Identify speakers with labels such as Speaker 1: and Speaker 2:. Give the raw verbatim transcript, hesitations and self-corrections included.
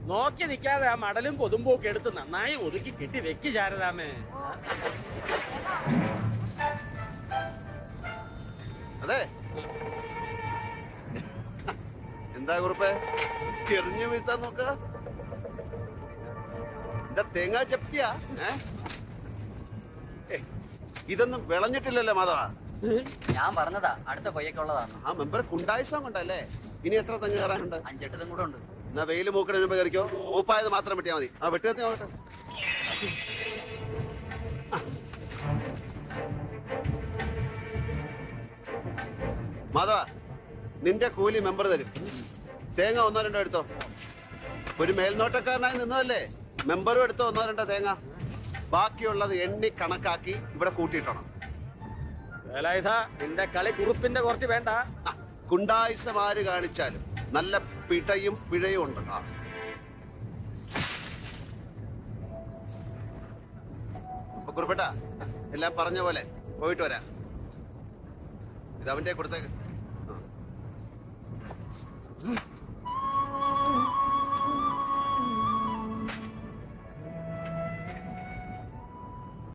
Speaker 1: നോക്കി നിൽക്കാതെ ആ മടലും കൊതുമ്പും ഒക്കെ എടുത്ത് നന്നായി ഒതുക്കി കെട്ടി വെക്ക് ശാരദാമേ.
Speaker 2: അതെ എന്താ കുറിപ്പേ ചെറിഞ്ഞു വീഴ്ത്താൻ നോക്ക? എന്താ തേങ്ങാ ചപ്തിയാ? ഇതൊന്നും വിളഞ്ഞിട്ടില്ലല്ലോ മാധവ.
Speaker 3: ഞാൻ പറഞ്ഞതാ അടുത്ത കൊയ്യൊക്കെയുള്ളതാണ്.
Speaker 2: ആ മെമ്പർ കുണ്ടായിസം കൊണ്ടല്ലേ. ഇനി എത്ര തെങ്ങ് കയറാനുണ്ട്?
Speaker 3: അഞ്ചെട്ട് കൂടെ ഉണ്ട്.
Speaker 2: എന്നാ വെയില് മൂക്കണ മുമ്പ് കയറിക്കോ. മൂപ്പായത് മാത്രം വെട്ടിയാ മതി. ആ വെട്ടി നോക്കട്ടെ. മാധവ നിന്റെ കൂലി മെമ്പർ തരും. തേങ്ങ ഒന്നോ രണ്ടോ എടുത്തോ. ഒരു മേൽനോട്ടക്കാരനായി നിന്നതല്ലേ. മെമ്പറും എടുത്തോ ഒന്നോ രണ്ടോ തേങ്ങ. ബാക്കിയുള്ളത് എണ്ണി കണക്കാക്കി ഇവിടെ കൂട്ടിയിട്ടണം.
Speaker 1: നിന്റെ കളി കുറുപ്പിന്റെ കുറച്ച് വേണ്ട.
Speaker 2: കുണ്ടായിസമാര് കാണിച്ചാലും നല്ല പിടയും പിഴയും ഉണ്ട്. ആ അപ്പൊ കുറിപ്പേട്ട എല്ലാം പറഞ്ഞ പോലെ പോയിട്ട് വരാം. ഇത് അവന്റെ കൊടുത്തേക്ക്.